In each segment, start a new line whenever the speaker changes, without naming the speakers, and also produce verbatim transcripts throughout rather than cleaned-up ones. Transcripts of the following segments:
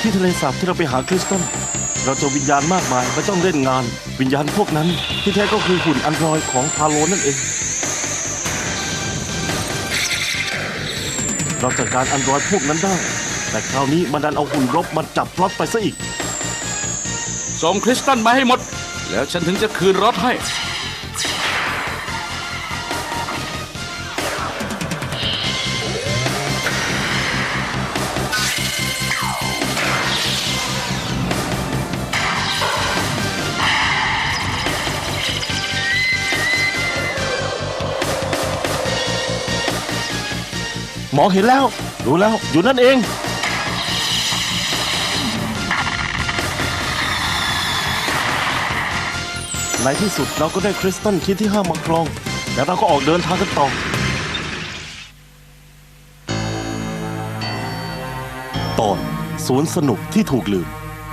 ที่ทะเลสาบที่เราไปหาคริสตัลเราเจอวิญญาณมากมายมาจ้องเล่นงานวิญญาณพวกนั้นที่แท้ก็คือหุ่นอันดรอยของพาโลนั่นเองเราจัดการอันดรอยพวกนั้นได้แต่คราวนี้มันดันเอาหุ่นรบมาจับพล็อตไปซะอีก
ส่งคริสตัลมาให้หมดแล้วฉันถึงจะคืนรถให้
มองเห็นแล้วรู้แล้วอยู่นั่นเองในที่สุดเราก็ได้คริสตัลคิดที่ห้ามาครองแล้วเราก็ออกเดินทางกันต่อตอนสวนสนุกที่ถูกลืม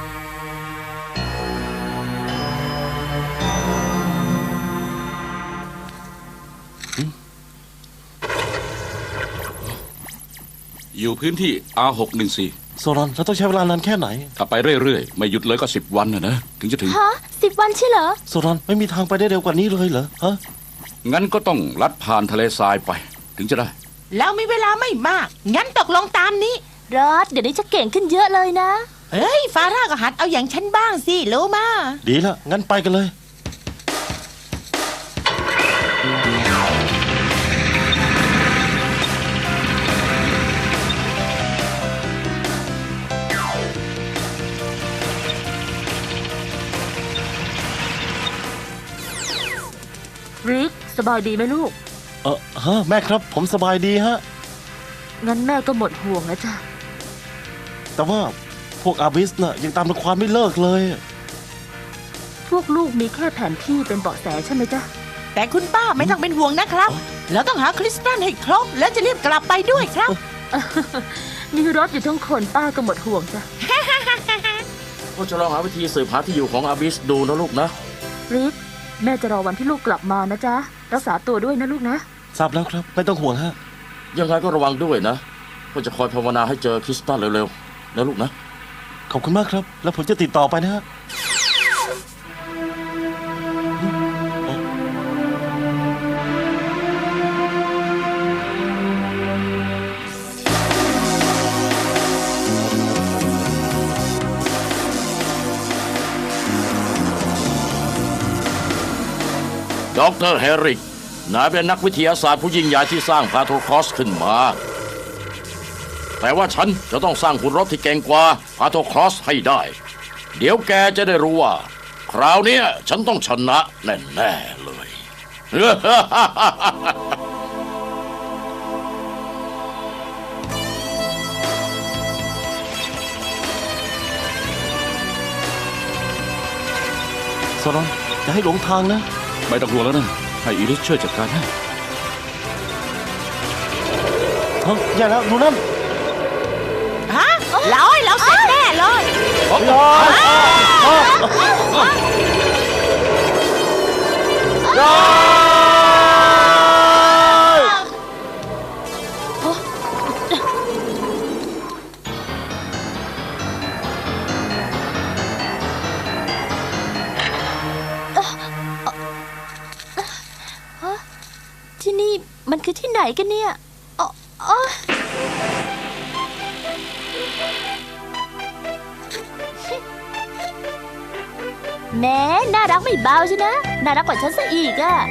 อยู่พื้นที่ อาร์ หกหนึ่งสี่
โซรอนเราต้องใช้เวลานานแค่ไหน
ถ้าไปเรื่อยๆไม่หยุดเลยก็สิบวันนะนะถึงจะถึง
ฮะสิบวันใช่เหรอ
โซรอนไม่มีทางไปได้เร็วกว่านี้เลยเหรอฮะ
งั้นก็ต้องลัดผ่านทะเลทรายไปถึงจะได้
แล้วมีเวลาไม่มากงั้นตกลงตามนี้
รอดเดี๋ยวนี้จะเก่งขึ้นเยอะเลยนะ
เฮ้ยฟาร่าก็หัดเอาอย่างฉันบ้างสิรู้มา
ดีละงั้นไปกันเลย
ริกสบายดีไหมลูก
เออฮะแม่ครับผมสบายดีฮะ
งั้นแม่ก็หมดห่วงแล้วจ้ะ
แต่ว่าพวกอาบิสน่ะยังตามรังควานไม่เลิกเลย
พวกลูกมีแค่แผนที่เป็นเบาะแสใช่ไหมจ๊ะ
แต่คุณป้าไม่ต้องเป็นห่วงนะครับเราต้องหาคริสตัลให้ครบแล้วจะรีบกลับไปด้วยครับ
มีรถอยู่ทั้งคนป้าก็หมดห่วงจ้ะ
ก็จะลองหาวิธีสืบหาที่อยู่ของอาบิสดูนะลูกนะ
ริกแม่จะรอวันที่ลูกกลับมานะจ๊ะรักษาตัวด้วยนะลูกนะ
ทราบแล้วครับไม่ต้องห่วงฮะยังไงก็ระวังด้วยนะก็จะคอยภาวนาให้เจอคริสตัลเร็วๆนะลูกนะขอบคุณมากครับแล้วผมจะติดต่อไปนะฮะ
ดร.เฮริกนายเป็นนักวิทยาศาสตร์ผู้ยิ่งใหญ่ที่สร้างพาโทครอสขึ้นมาแต่ว่าฉันจะต้องสร้างหุ่นรบที่เก่งกว่าพาโทครอสให้ได้เดี๋ยวแกจะได้รู้ว่าคราวนี้ฉันต้องชนะแน่ๆเลย
โซรอนอย่าให้หลงทางนะ
ไม่ต้องกลัวแล้วนะให้อีริสช่วยจัดการให้
ฮะอย่าแล้วดูนั่น
ฮะร้อยเราเสร็จแน่เลย
ร้อยร้
อยที่นี่มันคือที่ไหนกันเนี่ยอ๋ออ๋อแม่น่ารักไม่เบาใช่นะน่ารักกว่าฉันซะอีกอะ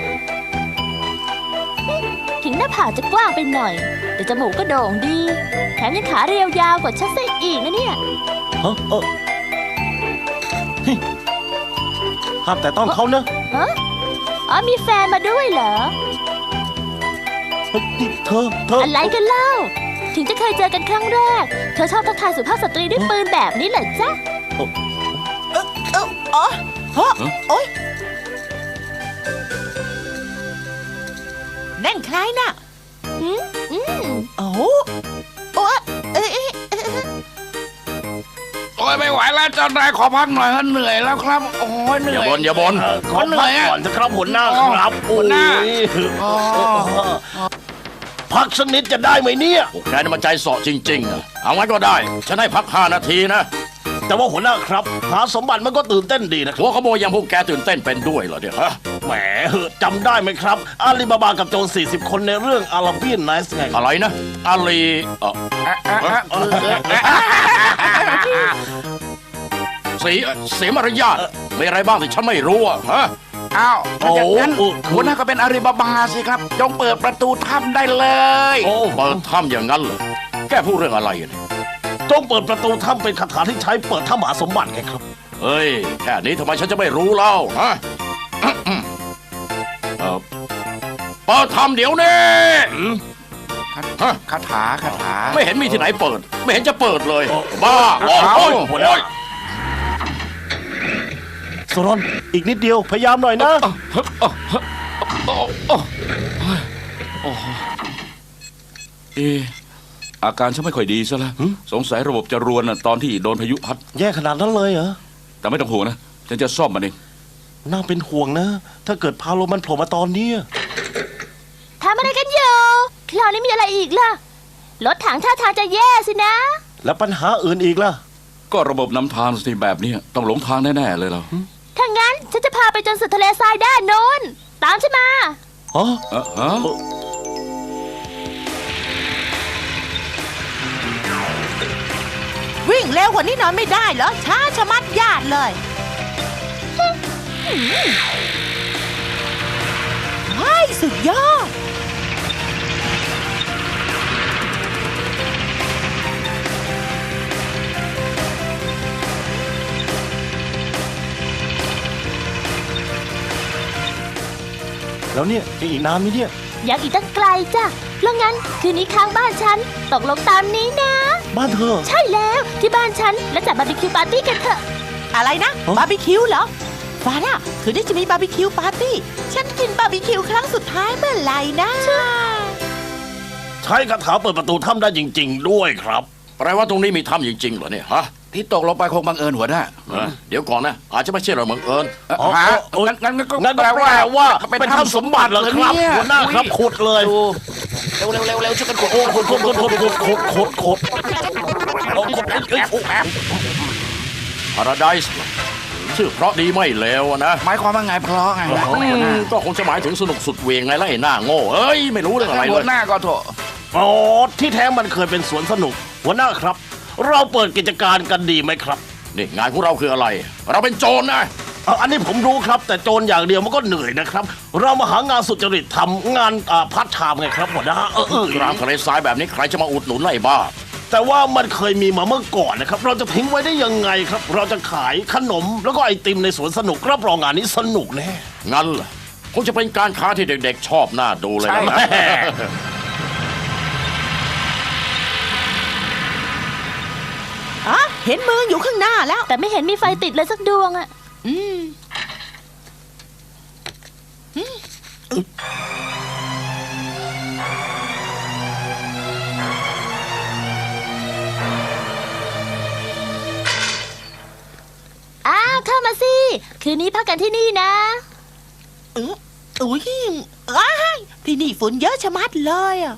ถึงหน้าผากจะกว้างไปหน่อยแต่จมูกก็โด่งดีแถมยังขาเรียวยาวกว่าฉันซะอีกนะเนี่ย
ฮะเออห้ามแต่ต้องเขานะ
ฮะอ๋อมีแฟนมาด้วยเหรอ
เธอเธอ
อะไรกันเล่าถึงจะเคยเจอกันครั้งแรกเธอชอบทักทายสุภาพสตรีด้วยปืนแบบนี้เหรอจ๊ะ
เออเอออ๋อฮะโอ๊ยนั่นใครน่ะ
อืมอืม
โอ้โอ้เอ๊ะ
โอ้ยไม่ไหวแล้วเจ้านายขอพักหน่อยฮะเหนื่อยแล้วครับโอ้ยเหนื่อย
อย่าบ่นอย่าบ่น
ขอพักก่อนจะครับหัวหน้าครับ
หัวหน้า
พักสักนิดจะได้ไหมเนี่ย
พวกแกนี่มันใจเสาะจริงๆเอางั้นก็ได้ฉันให้พักห้านาทีนะ
แต่ว่าหัวหน้าครับหาสมบัติมันก็ตื่นเต้นดีนะครับ
หัวขโมยอย่างพวกแกตื่นเต้นเป็นด้วยเหรอเนี่ยฮะ
แหมเหอะจำได้ไหมครับอาลีบาบากับโจรสี่สิบคนในเรื่องอาราเบียนไนท์ไง
อะไรนะอาลีเอ่อเสียเสียมารยาทมีอะไรบ้างที่ฉันไม่รู้อะฮะ
อ้าวถ้าอย่างนั้น
โอ้
หัวหน้าก็เป็นอาลีบาบาสิครับ จงเปิดประตูถ้ำได้เลย
โอ้
เปิดถ้ำอย่างนั้นเหรอแกพูดเรื่องอะไรเนี่ย
จงเปิดประตูถ้ำเป็นคาถาที่ใช้เปิดถ้ำหาสมบัติไงครับ
เฮ้ยแค่นี้ทำไมฉันจะไม่รู้เล่าฮะเอ่อเปิดถ้ำเดี๋ยวนี้ฮะ
คาถาคาถา
ไม่เห็นมีที่ไหนเปิด ไม่เห็นจะเปิดเลย
โอ้
บ้าโอ้ย
เอา
โอ้ย
หัวหน้า
โอ้ย
โซรอนอีกนิดเดียวพยายามหน่อยนะ
เอะอาการฉันไม่ค่อยดีซะแล้วสงสัยระบบจะรวนน่ะตอนที่โดนพายุพัด
แย่ขนาดนั้นเลยเหรอ
แต่ไม่ต้องห่วงนะ ฉันจะซ่อมมันเอง
น่าเป็นห่วงนะ ถ้าเกิดพาโลมันโผล่มาตอนเนี้ย
ทำอะไรกันอยู่คราวนี้มีอะไรอีกล่ะ รถถังท่าทางจะแย่สินะ
แล้วปัญหาอื่นอีกล่ะ
ก็ระบบนำทางสิแบบนี้ต้องหลงทางแน่ๆเลยเรา
ถ้างั้นฉันจะพาไปจนสุดทะเลทรายด้านโน้น ตามฉันมา
อ๋อ
เอะฮะ
วิ่งเร็วกว่านี้หน่อยไม่ได้เหรอ ช้าชะมัดญาติเลยเฮ้ยสุดยอด
แล้วเนี่ยจะอีกนานไหมเนี่ย
ยังอีกตั้งไกลจ้ะเพราะงั้นคืนนี้ค้างบ้านฉัน ตกลงตามนี้นะ
บ้านเธอ
ใช่แล้วที่บ้านฉันแล้วจัดบาร์บีคิวปาร์ตี้กันเถอะ
อะไรนะ
ฮะ
บาร์บีคิวเหรอฟาร่าคืนนี้จะมีบาร์บีคิวปาร์ตี้ ฉันกินบาร์บีคิวครั้งสุดท้ายเมื่อไหร่นะ
ใช้คาถาเปิดประตูถ้ำได้จริง ๆ ด้วยครับ
แปลว่าตรงนี้มีถ้ำจริงๆเหรอเนี่ยฮะ
ที่ตกลงไปคงบังเอิญหัวหน้า
เออเดี๋ยวก่อนนะ อาจจะไม่ใช่เราบังเอิญ
เอ่อ
อ๋อ
ฮะ
อ๋อ
งั้นงั้นงั้นก็
งั้นก็แปลว่าเป็นถ้ำสมบัติเหรอครับ
เนี่ย
หัวหน้าครับขุดเลย
เร็วเร็วเร็วเร็วช่วยกันขุด
โอ้ขุดขุดขุดขุดขุดขุดขุดขุดโอ้ขุดเอ้ยโอ้
พาราไดส์ชื่อเพราะดีไม่เลวอะนะ
หมายความว่าไงเพราะไงนะ
อืมก็คงจะหมายถึงสนุกสุดเหวียงไงล่ะไอ้หน้าโง่เอ้ย ไม่รู้เรื่องอะไรเล
หัวย หน้าก็โถ
อ๋อที่แท้มันเคยเป็นสวนสนุก หัวหน้าครับ เราเปิดกิจการกันดีไหมครับ
นี่งานของเราคืออะไร เราเป็นโจรนะ
เอาอันนี้ผมรู้ครับ แต่โจรอย่างเดียวมันก็เหนื่อยนะครับ เรามาหางานสุจริตทำงานอ่าพาร์ทไทม์ไงครับหัวหน้าเออเออก
ลางทะเลทรายแบบนี้ใครจะมาอุดหนุนไล่บ้า
แต่ว่ามันเคยมีมาเมื่อก่อนนะครับ เราจะทิ้งไว้ได้ยังไงครับ เราจะขายขนมแล้วก็ไอติมในสวนสนุกรับรองงานนี้สนุกแน่
งั้นเหรอคงจะเป็นการค้าที่เด็กๆ ชอบหน้าดูเลยนะ
อ๋อ เห็นมืออยู่ข้างหน้าแล้ว
แต่ไม่เห็นมีไฟติดเลยสักดวงอะ
อืม
อ้าวเข้ามาสิ คืนนี้พักกันที่นี่นะ
อืออุ้ยอ้ายที่นี่ฝุ่นเยอะชะมัดเลยอ่ะ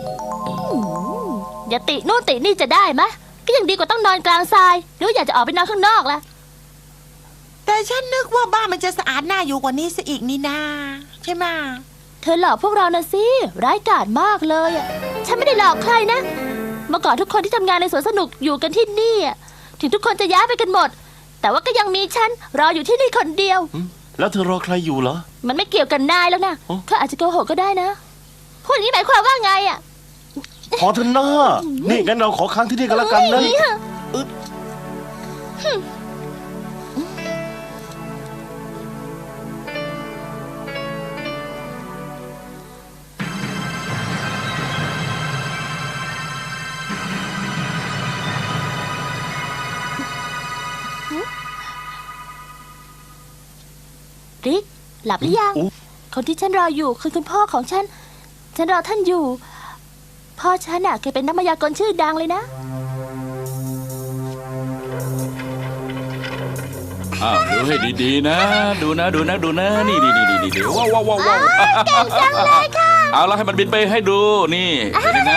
อย่าตินู่นตินี่จะได้มะ ก็ยังดีกว่าต้องนอนกลางทราย หรือว่าอยากจะออกไปนอนข้างนอกล่ะ
แต่ฉันนึกว่าบ้านมันจะสะอาดน่าอยู่กว่านี้ซะอีกนี่นาใช่ไหมะ
เธอหลอกพวกเรานะสิ ร้ายกาจมากเลยอะฉันไม่ได้หลอกใครนะ เมื่อก่อนทุกคนที่ทำงานในสวนสนุกอยู่กันที่นี่อะถึงทุกคนจะย้ายไปกันหมด แต่ว่าก็ยังมีฉันรออยู่ที่นี่คนเดียว
แล้วเธอรอใครอยู่เหรอ
มันไม่เกี่ยวกันนายแล้วนะ
อ๋อ
เขาอาจจะโกหกก็ได้นะ พูดอย่างนี้หมายความว่าไงอะ
ขอเธอหน้า นี่งั้นเราขอค้างที่นี่กันแล้วกันนะ
เฮ้ย ริก หลับหรือยัง
อุ๊
คนที่ฉันรออยู่คือคุณพ่อของฉัน ฉันรอท่านอยู่ พ่อฉันน่ะเคยเป็นนักมายากลชื่อดังเลยนะ
อ้าวดูให้ดีๆนะ ดูนะดูนะดูนะนี่นี่นี่นี่นี่ว้าวว้าวว้าวว้าว
เก่งจังเลยค่ะ
เอาแล้วให้มันบินไปให้ดูนี่เป็นยังไง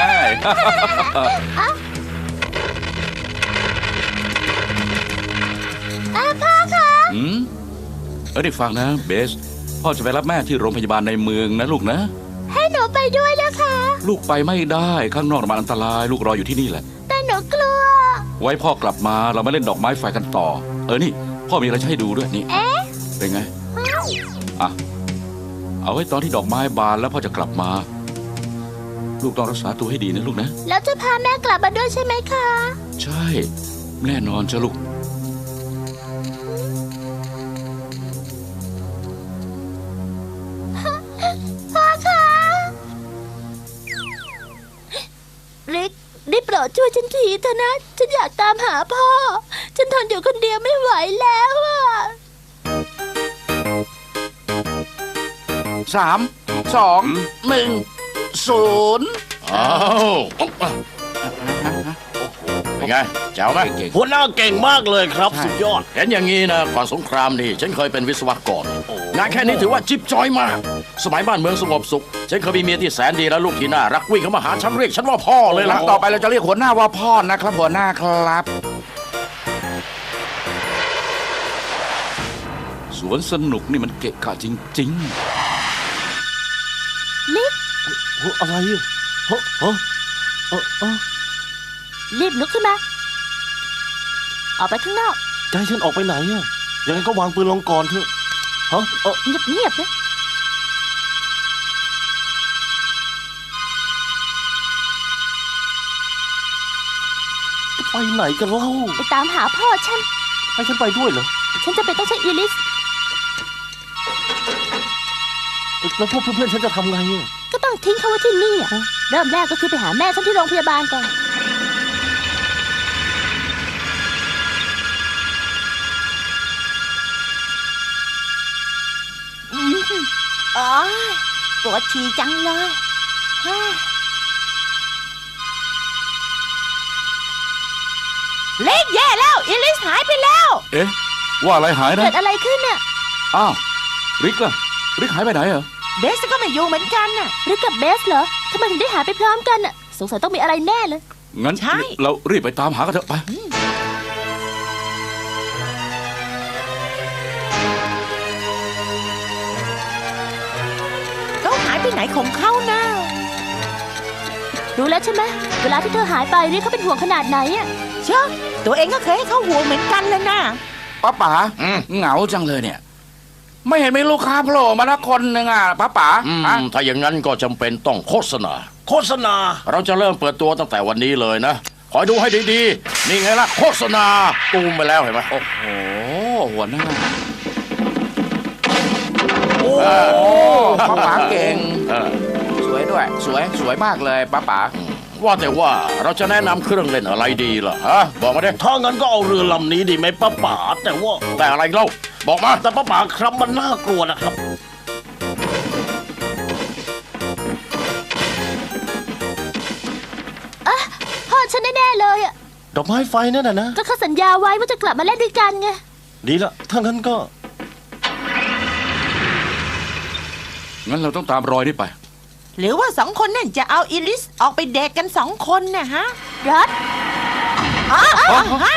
มเออได้ฟังนะเบสพ่อจะไปรับแม่ที่โรงพยาบาลในเมืองนะลูกนะ
ให้หนูไปด้วยนะคะ
ลูกไปไม่ได้ข้างนอกมันอันตรายลูกรออยู่ที่นี่แหละ
แต่หนูกลัว
ไว้พ่อกลับมาเรามาเล่นดอกไม้ไฟกันต่อ เออนี่พ่อมีอะไรจะให้ดูด้วยนี่
เอ๊ะ
เป็นไงอ่ะเอาไว้ตอนที่ดอกไม้บานแล้วพ่อจะกลับมา ลูกต้องรักษาตัวให้ดีนะลูกนะ
แล้วจะพาแม่กลับมาด้วยใช่ไหมคะ
ใช่แน่นอนจ้ะลูก
พ่อคะริกได้โปรดช่วยฉันทีเถอะนะ ฉันอยากตามหาพ่อ ฉันทนอยู่คนเดียวไม่ไหวแล้วอะ
สามสองหนึ่งศูนย์
อ้าวเป็นไงเจ๋วไหม
หัวหน้าเก่งมากเลยครับ สุดยอด
เห็นอย่างนี้นะก่อนสงครามนี่ฉันเคยเป็นวิศวกรงานแค่นี้ถือว่าจิ๊บจอยมาก สมัยบ้านเมืองสงบสุข ฉันเคยมีเมียที่แสนดีและลูกที่น่ารักวิ่งเข้ามาหาฉันเรียกฉันว่าพ่อเลยล่ะ
ต่อไปเราจะเรียกหัวหน้าว่าพ่อนะครับหัวหน้าครับ สวนสนุกนี่มันเกะกะจริง
ลิก
เฮ้ยอะไรอ่ะเฮ้ยเฮ้ยเออเออ
รีบลุกขึ้นมา ออกไปข้างนอก
จะให้ฉันออกไปไหนอ่ะยังไงก็วางปืนลงก่อนเถอะฮะเออ
เงียบๆนะ
ไปไหนกันเล่า
ไปตามหาพ่อฉัน
ให้ฉันไปด้วยเหรอ
ฉันจะไปต้องใช้อีลิส
เอ้ยแล้วพวกเพื่อนๆฉันจะทำไงอ่ะ
ก็ต้องทิ้งเขาไว้ที่นี่อะเริ่มแรกก็คือไปหาแม่ฉันที่โรงพยาบาลก่อน
อ๋อปวดฉี่จังเลยฮ่าเล็กแย่แล้วอิลิสหายไปแล้ว
ๆ เอ๊ะ ว่าอะไรหายนะ
เกิดอะไรขึ้นน่ะ
อ้าวริกล่ะริกหายไปไหนเหรอ
เบสก็ไม่อยู่เหมือนกันน่ะ
หรือกับเบสเหรอทำไมถึงได้หายไปพร้อมกันน่ะ สงสัยต้องมีอะไรแน่เลย
งั้น
ใช่
เรารีบไปตามหากันเถอะไป
เขาหายไปไหนของเขานะ
รู้แล้วใช่ไหมเวลาที่เธอหายไปเรียกเขาเป็นห่วงขนาดไหนอะ
เชื่อตัวเองก็เคยให้เขาห่วงเหมือนกันเลยนะ
ป้าป๋า
อืม
เหงาจังเลยเนี่ย ไม่เห็นมีลูกค้าโผล่มาละคนหนึ่งอ่ะป้าป๋า
อืม
อ่ะ
ถ้าอย่างนั้นก็จำเป็นต้องโฆษณา
โฆษณา
เราจะเริ่มเปิดตัวตั้งแต่วันนี้เลยนะ คอยดูให้ดีๆ นี่ไงล่ะโฆษณาตูมไปแล้วเห็นไหม
โอ้โหหัวหน้า
โอ้
ป้าป๋าเก่ง
เออ
สวยด้วย สวยสวยมากเลยป้าป๋า
ว่าแต่ว่าเราจะแนะนำเครื่องเล่นอะไรดีล่ะฮะบอกมาดิ
ถ้างั้นก็เอาเรือลำนี้ดีไหมป้าป๋าแต่ว่า
แต่อะไรเล่าบอกมา
แต่ป้าป๋าครับมันน่ากลัวนะครับ
พ่อฉันแน่ๆเลยอะ
ดอกไม้ไฟนั่นน่ะนะ
ก็เขาสัญญาไว้ว่าจะกลับมาเล่นด้วยกันไง
ดีละถ้างั้นก็
งั้นเราต้องตามรอยนี่ไป
หรือว่าสองคนนั่นจะเอาอิลิสออกไปเดทกันสองคนนะฮะ
รัด
อ๋ออ๋อฮะ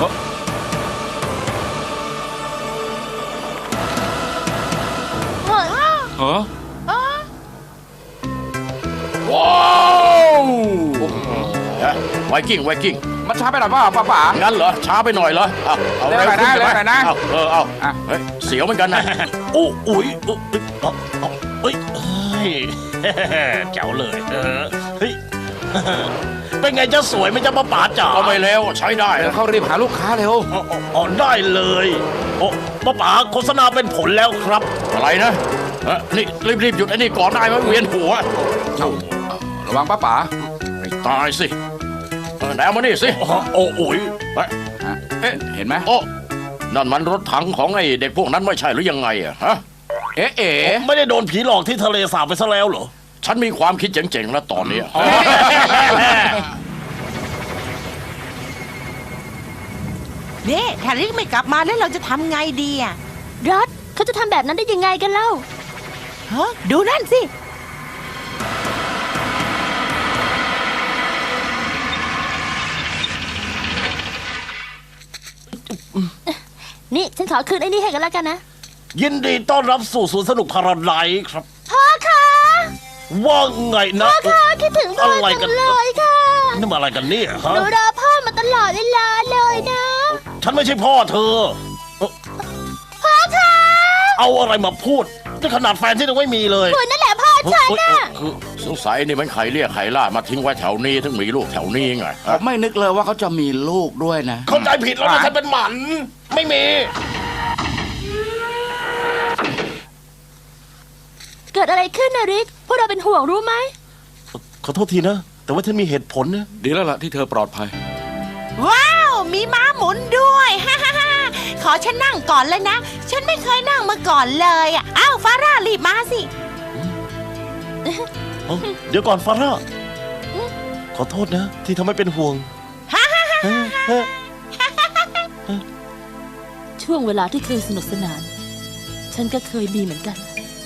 เฮ้ย
เออ
ว้าวฮะไวกิ้งไวกิ้ง
มันช้าไปหน่อยเปล่าป้าป๋า
งั้นเหรอช้าไปหน่อยเหรอเอาเอา
เร็วหน่อยนะ
ขึ้ใช่ไหม
เร็วหน่อยนะ
เอาเออเอา
อ่ะ
เฮ้ยเสียวเหมือนกันนะ
โอ้อุ้ยเอ้ยเอ้ยเอาเอาเอ้ยเฮ้ย แจ๋วเลยเออเฮ้ย เป็นไงจะสวยไหมจ๊ะป้าป๋าจ๋า
ก็ไม่เลวใช้ได้
เดี๋ยว
นะ
เขารีบหาลูกค้าเร็ว
อ๋ออ๋ออ๋อได้เลยโอ้ป้าป๋าโฆษณาเป็นผลแล้วครับ
อะไรนะเอ้อนี่รีบๆหยุดไอ้นี่ก่อนได้ไหมเวียนหัว
ระวังป้าป๋า
ไม่ตายสิเออไหนเอามานี่สิ
อ๋อโอ้โอ้ย
เฮ้ย
อ่ะเอ๊ะเห็นไหม
โอ้นั่นมันรถถังของไอ้เด็กพวกนั้นไม่ใช่หรือยังไงอะฮะ
เอ๊ะเอ๊ะ
ไม่ได้โดนผีหลอกที่ทะเลสาบไปซะแล้วเหรอ
ฉันมีความคิดเจ๋งๆแล้วตอนเนี้ย
นี่ถ้าลิกไม่กลับมาแล้วเราจะทำไงดีอ่ะ
รัดเขาจะทำแบบนั้นได้ยังไงกันเล่า
ฮะดูนั่นสิ
นี่ฉันขอคืนไอ้นี่ให้กันแล้วกันนะ
ยินดีต้อนรับสู่สวนสนุกพาราไดซ์ครับ
พ่อคะ
ว่าไงนะ
พ่อคะคิดถึงพ่อ
อะไรกั
จั
น
งเลยค่ะ
นี่มาอะไรกันเนี่ย
ห
ฮะ
นูรอพ่อมาตลอดเวลาเลยนะ
ฉันไม่ใช่พ่อเธอ
พ่อคะ
เอาอะไรมาพูดนี่ขนาดแฟนที่ยังไม่มีเลย
คุณนั่นแหละพ่อฉันน่ะ
คือ
สงสัยนี่มันไข่เรียกไข่ล่ามาทิ้งไว้แถวนี้ถึงมีลูกแถวนี้ไง
ผ
ฮะ
มไม่นึกเลยว่าเขาจะมีลูกด้วยนะ
เข้าใจผิดแล้วนะฉันเป็นหมัน ไม่มี
เกิดอะไรขึ้นนะริก พวกเราเป็นห่วงรู้ไหม
ขอโทษทีนะ แต่ว่าฉันมีเหตุผลนะ
ดีแล้วล่ะที่เธอปลอดภัย
ว้าว มีม้าหมุนด้วย ฮ่าฮ่าฮ่าขอฉันนั่งก่อนเลยนะ ฉันไม่เคยนั่งมาก่อนเลยอ่ะอ้าวฟาร่ารีบมาสิ
เอ้าเดี๋ยวก่อนฟาร่าขอโทษนะ ที่ทำให้เป็นห่วงเฮ้ยเฮ้ย
ช่วงเวลาที่เคยสนุกสนาน ฉันก็เคยมีเหมือนกัน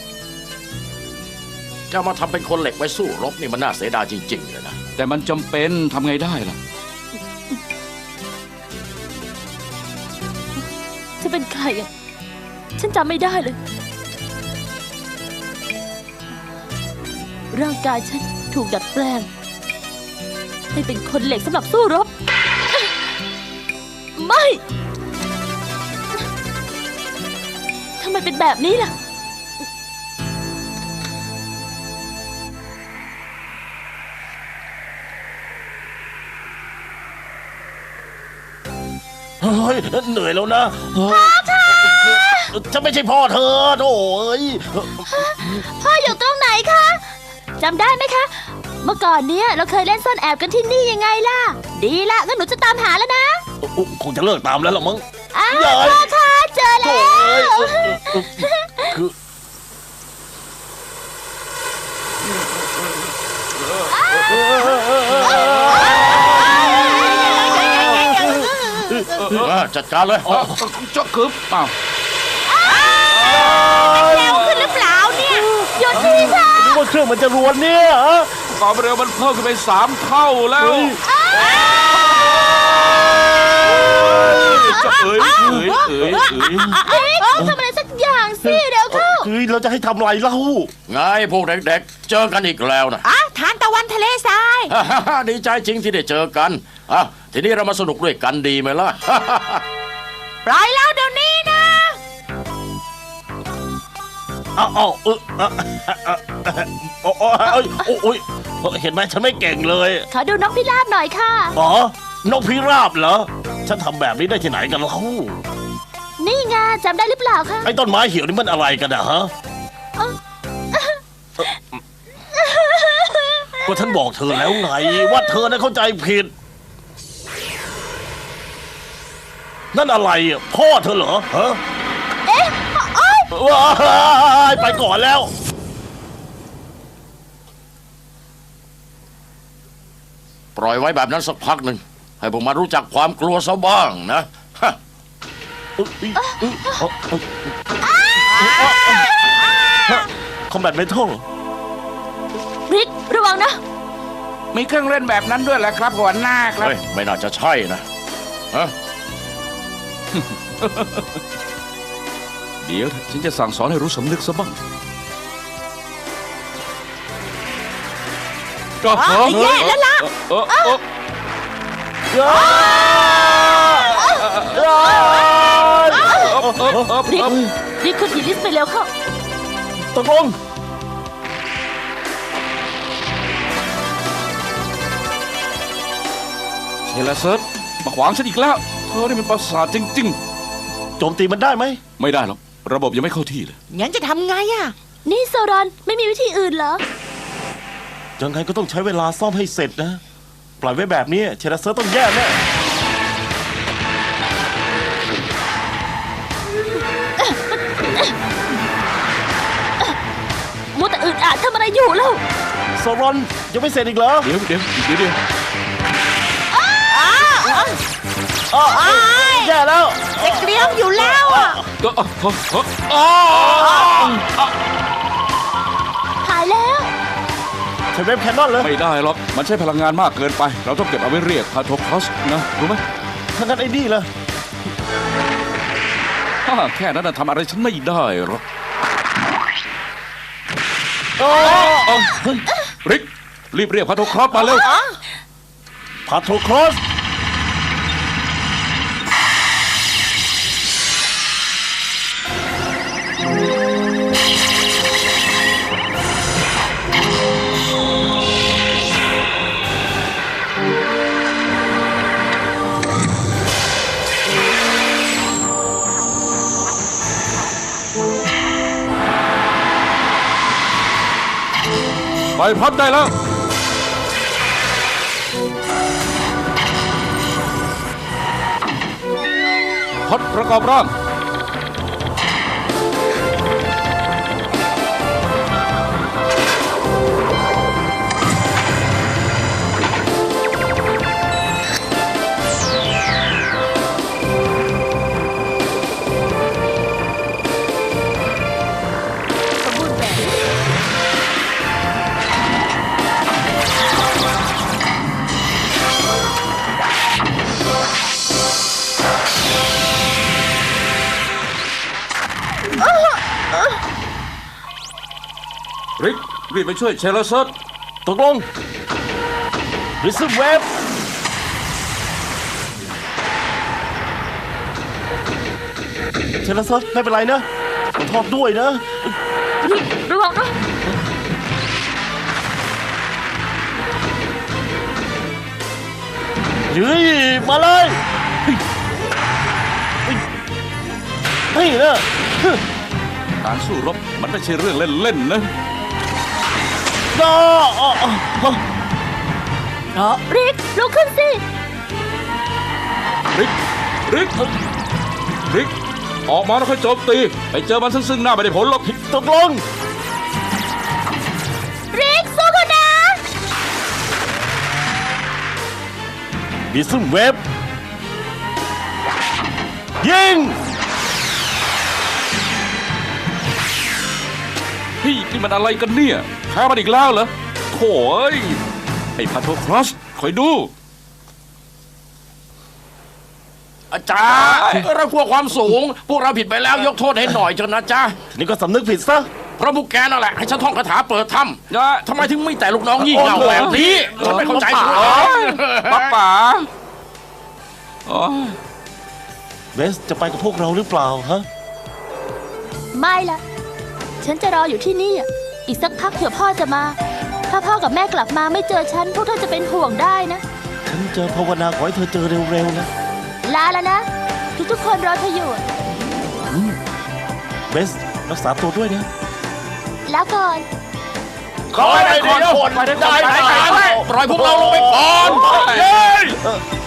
จะมาทำเป็นคนเหล็กไว้สู้รบนี่มันน่าเสียดายจริงๆเลยนะ
แต่มันจำเป็นทำไงได้ล่ะ
จะเป็นใครอ่ะ ฉันจำไม่ได้เลย ร่างกายฉันถูกดัดแปลง ให้เป็นคนเหล็กสำหรับสู้รบ ไม่ ทำไมเป็นแบบนี้ล่ะ
เฮ้ยเหนื่อยแล้วนะพ่อค่ะฉันไม่ใช่พ่อเธอโถ่เอ้ย
พ่ออยู่ตรงไหนคะจำได้ไหมคะ เมื่อก่อนเนี้ยเราเคยเล่นซ่อนแอบกันที่นี่ยังไงล่ะ ดีละงั้นหนูจะตามหาแล้วนะ
อุ๊ยคงจะเลิกตามแล้วหรอมั้ง
อ้าว
ใหญ่
พ่อคะเจอ
โถ่
แล้ว
เอ้ยเออเออคือ
เออจัดการเลย
อ๋อเจ้าคือเปล่า
เร็วขึ้นหรือเปล่าเนี่ย
หยุดทีค่ะ
นึกว่าเครื่องมันจะรวนเนี่ยฮะ
ความเร็วมันเพิ่มขึ้นไปสามเท่าแล้ว
เฮ้ย
จะเอ๋ยเอ๋ยเอ๋ยเอ๋ย
เฮ้ยทำอะไรสักอย่างสิเดี๋ยวเข้า
คือเราจะให้ทำอะไรเล่า
ไงพวกเด็กๆ เจอกันอีกแล้วนะ
อ่ะทานตะวันทะเลทราย
ดีใจจริงที่ได้เจอกันอ่ะทีนี้เรามาสนุกด้วยกันดีไหมล่ะ
ปล่อยเราเดี๋ยวนี้นะ
เอาเอาเออเออเออโอ้โอ้ยโอ้ยโอ้ยเห็นไหมฉันไม่เก่งเลย
ขอดูนกพิราบหน่อยค่ะ
อ๋อนกพิราบเหรอ ฉันทำแบบนี้ได้ที่ไหนกันเล่า
นี่ไงจำได้หรือเปล่าคะ
ไอ้ต้นไม้เหี่ยวนี่มันอะไรกันอะฮะก็ฉันบอกเธอแล้วไง ว่าเธอน่ะเข้าใจผิด นั่นอะไรอะพ่อเธอเหรอฮะ
เอ๊ะโอ๊ย
ว้ายไปก่อนแล้ว
ปล่อยไว้แบบนั้นสักพักหนึ่งให้พวกมันรู้จักความกลัวซะบ้างนะฮะ
คอมแบทเมทัล
ริกระวังนะ
มีเครื่องเล่นแบบนั้นด้วยแหละครับหัวหน้าครับ
เฮ้ยไม่น่าจะใช่นะฮะ
เดี๋ยวฉันจะสั่งสอนให้รู้สำนึกซะบ้างก็
อ๋อแย่แล้วล่ะ
เออเออ
ริกริกคุณทีลิสไปเร็วเข้า
ตกลง
เฮลเซิร์ตมาขวางฉันอีกแล้วเธอนี่มันประสาทจริง
โจมตีมันได้ไหม
ๆ ไม่ได้หรอกระบบยังไม่เข้าที่เลย
งั้นจะทำไงอ่ะ
นี่โซรอนไม่มีวิธีอื่นเหรอ
ยังไงก็ต้องใช้เวลาซ่อมให้เสร็จนะ ปล่อยไว้แบบนี้เชลเซอร์ต้องแย่แน่
มัวแต่อึดอัดทำอะไรอยู่แล้ว
โซรอนยังไม่เสร็จอีกเหรอ
เดี๋ยวเดี๋ยวเดี๋ยวเดี๋ยว
อ้าวแย่แล้ว
จะเกลียวอยู่แล้วอ่ะ
ก็อ๋ออ๋อ
หายแล้ว
ใช้เว็บแคนนอนเลย
ไม่ได้หรอกมันใช้พลังงานมากเกินไป เราต้องเก็บเอาไว้เรียกพาโทคอสนะรู้ไหม
ถ้างั้นไอ้นี่ล่ะ
ฮ่าแค่นั้นน่ะทำอะไรฉันไม่ได้หรอก
โอ้
เอาเฮ้ยริกรีบเรียกพาโทครอสมาเร็ว
พาโทครอส
ไปพัดได้แล้ว พัดประกอบร่าง
สมบูรณ์แบบ
ริกรีบไปช่วยเชลเซิร์ต
ตกลงริซึมเวฟเชลซัสไม่เป็นไรนะขอโทษด้วยนะ
ระวังนะ
เฮ้ยมาเลยเฮ้ยนะ
การสู้รบมันไม่ใช่เรื่องเล่นๆนะ
ก็อ๋ออ๋อ
ริกลุกขึ้นสิ
ริก ริก ริก ออกมาแล้วค่อยโจมตี ไปเจอมันซึ่งซึ่งหน้าไม่ได้ผลหรอก
ตกลง
ริกสู้กันนะ
ริซึมเวฟยิง
เฮ้ยนี่มันอะไรกันเนี่ยแพ้มันอีกแล้วเหรอโถ่เอ้ยไอ้พาโทครอสคอยดู
อาจารย์เราพวกความสูง พวกเราผิดไปแล้วยกโทษให้หน่อยเถอะนะจ๊ะ
นี่ก็สำนึกผิดซะ
เพราะพวกแกนั่นแหละให้ฉันท่องคาถาเปิดถ้
นะ
ำทำไมถึงไม่แต่ลูกน้องยี่เง่าแบบนี้ฉันไม่เข้าใจคุณ
ป้าป๋าอ๋อ
เวสจะไปกับพวกเราหรือเปล่าฮะ
ไม่ละฉันจะรออยู่ที่นี่อะอีกสักพักเผื่อพ่อจะมา ถ้าพ่อกับแม่กลับมาไม่เจอฉัน พวกเธอจะเป็นห่วงได้นะ
ฉันจะภาวนาขอให้เธอเจอเร็วๆนะ
ลาแล้วนะ ทุกๆคนรอเธออยู่
เวสรักษาตัวด้วยนะ
แล้วก่อน
ขอให้ได้ก่อนได้ได้ปล่อยพวกเราลงไปก่อน
เฮ้ย